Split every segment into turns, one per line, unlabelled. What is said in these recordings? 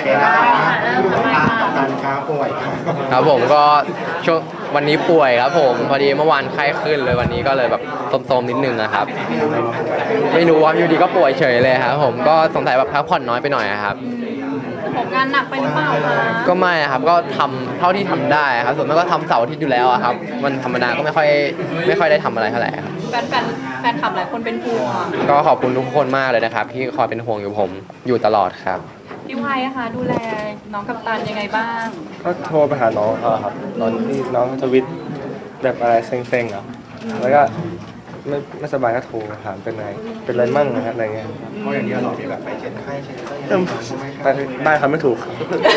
เคนะครับการค้าป่วย
ครับผมก็ช่วงวันนี้ป่วยครับผมพอดีเมื่อวานไข้ขึ้นเลยวันนี้ก็เลยแบบโทมๆนิดนึงนะครับไม่รู้ว่าอยู่ดีก็ป่วยเฉยเลยครับผมก็สงสัยแบบพักผ่อนน้อยไปหน่อยครับ
ผมงานหนักไปหรือเปล่าคะ
ก็ไม่ครับก็ทำเท่าที่ทำได้ครับส่วนมากก็ทำเสาร์อาทิตย์อยู่แล้วครับวันธรรมดาก็ไม่ค่อยได้ทำอะไรเท่าไหร่ครับ
แฟนคลับหลายคนเป็นห่วง
ก็ขอบคุณทุกคนมากเลยนะครับที่คอยเป็นห่วงอยู่ผมอยู่ตลอดครับ
พี่ไวอะคะดูแลน้องกัปตันยังไงบ้าง
ก็โทรไปหาน้องเขาครับตอนที่น้องทวิตแบบอะไรเซ็งๆอ่ะแล้วก็ไม่สบายก็โทรถามเป็นไงเป็นไรมั่งนะฮะอะไรเงี้ย
เพราะอย่างเดียวเราที่แบบไปเช็ดไข้เช็ด
ไปได้ครับไม่ถูก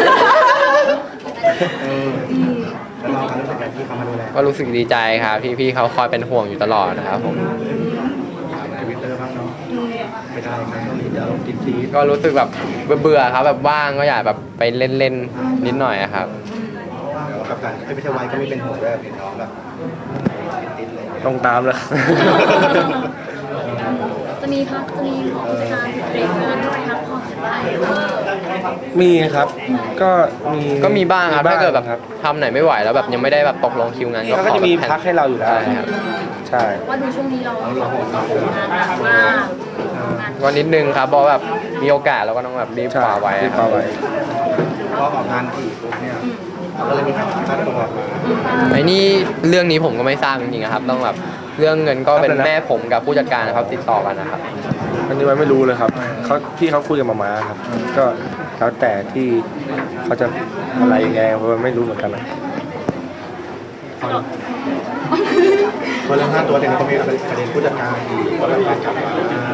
แล้วเรารู้สึกไงที่เขามาดูแล
ก็รู้สึกดีใจครับพี่เขาคอยเป็นห่วงอยู่ตลอดนะครับผม
ทวิตเตอร์บ้างเนาะไม่ได้ครับต้องมีเดี๋ยวลงติดซี
ก็รู้สึกแบบเบื่อครับแบบว่างก็อยากแบบไปเล่นนิดหน่อยครับ
กับการไม่ใช่วัยก็ไม่เป็นห่วงด้วยเห็นน้องแบบติดเลย
ต้องตามเลย
จะมีกิจการเบรกงานด้วยพักผ่อนได้
มีครับก็
มีบ้างครับถ้าเกิดแบบทำไหนไม่ไหวแล้วแบบยังไม่ได้แบบตกลงคิวงาน
ก็จะมีพักให้เราอยู่แล้วใช่
ว่าดูช่วงนี้เรางานมาก
วันนิดนึงครับเพราะแบบมีโอกาสเราก็ต้องแบบรีบคว้าไว้
พอออกงานถี่ปุ๊บเนี่ยก็เลยมีค่าตัวมา
ไอ้นี่เรื่องนี้ผมก็ไม่ทราบจริงๆครับต้องแบบเรื่องเงินก็เป็นแม่ผมกับผู้จัดการนะครับติดต่อกันนะครับ
อันนี้ไม่รู้เลยครับพี่เขาคุยกับมาม่าครับก็แล้วแต่ที่เขาจะอะไรยังไงเพราะไม่รู้เหมือนกันนะ
พอเรื่องค่าตัวเนี่ยก็มีประเด็นผู้จัดการอีกก็แบบการกลับมา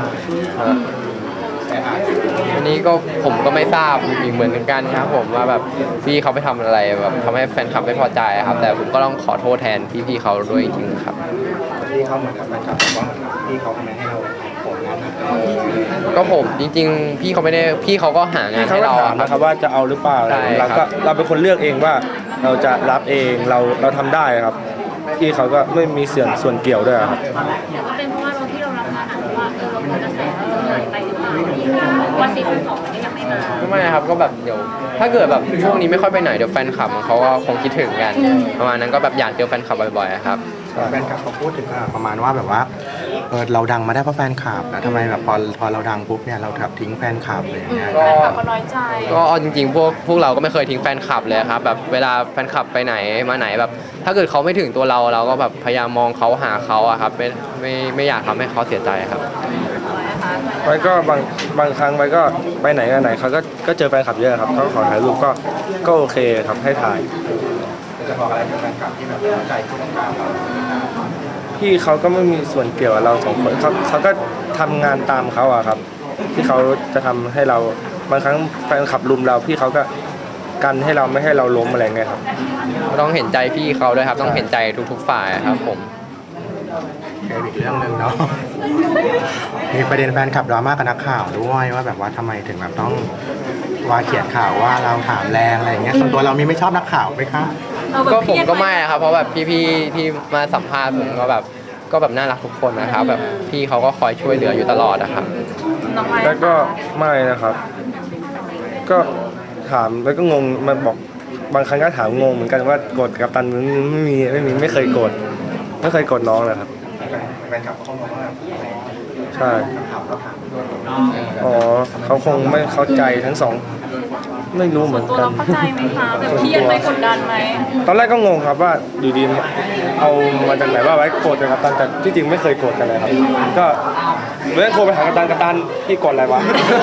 อันนี้ก็ผมก็ไม่ทราบอีกเหมือนกันครับผมว่าแบบพี่เขาไปทำอะไรแบบทำให้แฟนคลับไม่พอใจครับแต่ผมก็ต้องขอโทษแทนพี่เขาด้วยจริงๆครับ
พี่เขาเหมือนกับแฟนคลับบอกว่าพี่เขาทำไมให้เราผลงาน
ก็ผมจริงๆพี่เขาไม่ได้พี่เขาก็หางานให้เรา
ครับว่าจะเอาหรือเปล่าเราเป็นคนเลือกเองว่าเราจะรับเองเราทำได้ครับพี่เขาก็ไม่มีส่วนเกี่ยวด้วยครับ
ก็เป็นเพราะว่าที่เรารับงานว่าเราควรจะใส่เหนื่อยไปหรือเปล่าว่าซีซั่น2ก็ยังไม่มา
ไม่ครับก็แบบเดี๋ยวถ้าเกิดแบบช่วงนี้ไม่ค่อยไปไหนเดี๋ยวแฟนคลับเขาก็คงคิดถึงกันประมาณนั้นก็แบบอยากเจอแฟนคลับบ่อยๆครับ
แฟนคลับเขาพูดถึงประมาณว่าแบบว่าเราดังมาได้เพราะแฟนคลับนะทำไมแบบพอเราดังปุ๊บเนี่ยเราแบบทิ้งแฟนคลับเลยอย่างเงี้ย
ก็น้อยใจ
ก็จริงๆพวกเราก็ไม่เคยทิ้งแฟนคลับเลยครับแบบเวลาแฟนคลับไปไหนมาไหนแบบถ้าเกิดเขาไม่ถึงตัวเราก็แบบพยายามมองเขาหาเขาอะครับไม่อยากทำให้เขาเสียใจครับ
ไว้ก็บางครั้งไว้ก็ไปไหนกันไหนเขาก็เจอแฟนคลับเยอะครับเขาขอถ่ายรูปก็โอเคครับให้ถ่าย
จะบอกอะไรกับแฟนคลับที่แบบเข้าใจที่ต้องการเรา
พี่เขาก็ไม่มีส่วนเกี่ยวกับเราสองคนเขาก็ทำงานตามเขาอะครับที่เขาจะทำให้เราบางครั้งแฟนคลับลุมเราพี่เขาก็กันให้เราไม่ให้เราล้มอะไรเงี้ยครับ
ต้องเห็นใจพี่เขาด้วยครับต้องเห็นใจทุกๆฝ่ายครับผม
อีกเรื่องหนึ่งเนาะมีประเด็นแฟนคลับดราม่ากับนักข่าวด้วยว่าแบบว่าทำไมถึงแบบต้องว่าเขียนข่าวว่าเราถามแรงอะไรอย่างเงี้ยส่วนตัวเรามีไม่ชอบนักข่าวไหมคะ
ก็ผมก็ไม่ครับเพราะแบบพี่ที่มาสัมภาษณ์ผมก็แบบน่ารักทุกคนนะครับแบบพี่เขาก็คอยช่วยเหลืออยู่ตลอดนะครับ
แล้วก็ไม่นะครับก็ถามแล้วก็งงมาบอกบางครั้งก็ถามงงเหมือนกันว่าโกรธกับตันไม่เคยโกรธน้องนะครับ
แฟนคลับเขาบอกว่า
ใช่อ๋อเขาคงไม่เข้าใจทั้งสองไม่รู้เหมือนกัน
ตัวเราเข้าใจไหมคะแบบเครียดไหมกดดันไหม
ตอนแรกก็งงครับว่าอยู่ดีเอามาจากไหนว่าไว้โกรธกับตันแต่ที่จริงไม่เคยโกรธกันเลยครับก็เมื่อโทรไปหากัปตันพี่โกรธอะไรวะ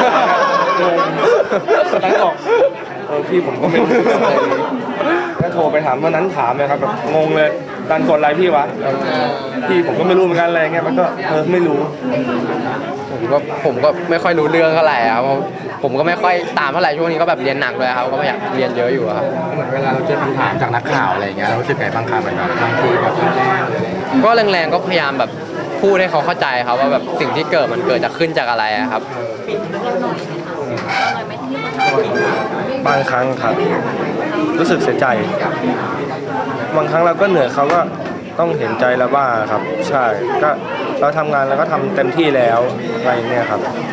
กัปตันบอกพี่ผมก็ไม่รู้อะไรนี้ก็โทรไปถามวันนั้นถามเลยครับแบบงงเลยตันโกรธอะไรพี่วะพี่ผมก็ไม่รู้เหมือนกันอะไรเงี้ยมันก็ไม่รู้
ผมก็ไม่ค่อยรู้เรื่องเท่าไหร่ครับผมก็ไม่ค่อยตามเท่าไหร่ช่วงนี้ก็แบบเรียนหนักเลยครับก็ไม่อยากเรียนเยอะอยู่ครับ
เหมือนเวลาเราเจอคำถามจากนักข่าวอะไรอย่างเงี้ยเรารู้สึกไงบ้างครับเหมือนแบบบางทีแบบแรง
ก็แรงๆก็พยายามแบบพูดให้เขาเข้าใจครับว่าแบบสิ่งที่มันเกิดจะขึ้นจากอะไรครับ
บางครั้งครับรู้สึกเสียใจบางครั้งเราก็เหนื่อยเขาก็ต้องเห็นใจเราบ้างครับใช่ก็เราทำงานแล้วก็ทำเต็มที่แล้วอะไรเนี่ยครับ